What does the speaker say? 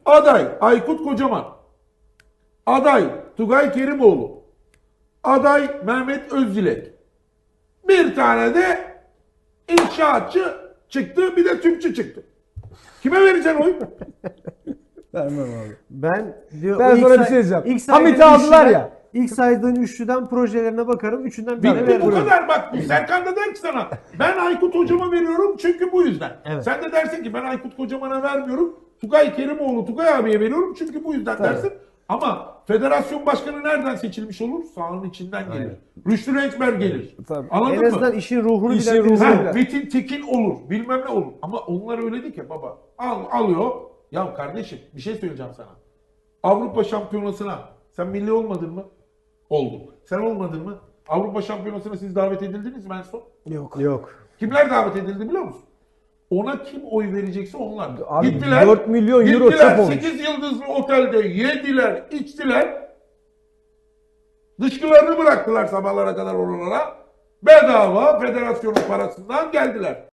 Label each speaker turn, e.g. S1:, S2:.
S1: Aday Aykut Kocaman. Aday Tugay Kerimoğlu. Aday Mehmet Özdilek. Bir tane de inşaatçı çıktı, bir de tüpçü çıktı. Kime vereceksin oy?
S2: Vermem abi.
S3: Ben
S2: Ben sana bir şey diyeceğim. Hamit'i aldılar ya.
S3: İlk saydığın üçlüden projelerine bakarım. Üçünden birine
S1: Bitti bu
S3: veririm.
S1: kadar bak. Serkan da der ki sana ben Aykut Hocam'a veriyorum çünkü bu yüzden.
S3: Evet.
S1: Sen de dersin ki ben Aykut Kocaman'a vermiyorum. Tugay Kerimoğlu, Tugay abiye veriyorum çünkü bu yüzden dersin. Ama federasyon başkanı nereden seçilmiş olur? Sahanın içinden gelir. Rüştü Renkber gelir.
S2: Tabii.
S1: Anladın
S3: En
S1: mı?
S3: azından işin ruhunu
S2: İşin
S3: bilen birisi.
S2: ruhunu
S1: Ha, Metin Tekin olur. Bilmem ne olur. Ama onlar öyle değil ki baba. Alıyor. Ya kardeşim bir şey söyleyeceğim sana. Avrupa Şampiyonası'na sen milli olmadın mı? Oldun. Sen olmadın mı? Avrupa Şampiyonası'na siz davet edildiniz mi en son?
S3: Yok.
S1: Kimler davet edildi biliyor musun? Ona kim oy verecekse onlar.
S2: Abi 4 milyon euro çöp olmuş.
S1: 8 yıldızlı otelde yediler, içtiler. Dışkılarını bıraktılar sabahlara kadar oralara. Bedava federasyonun parasından geldiler.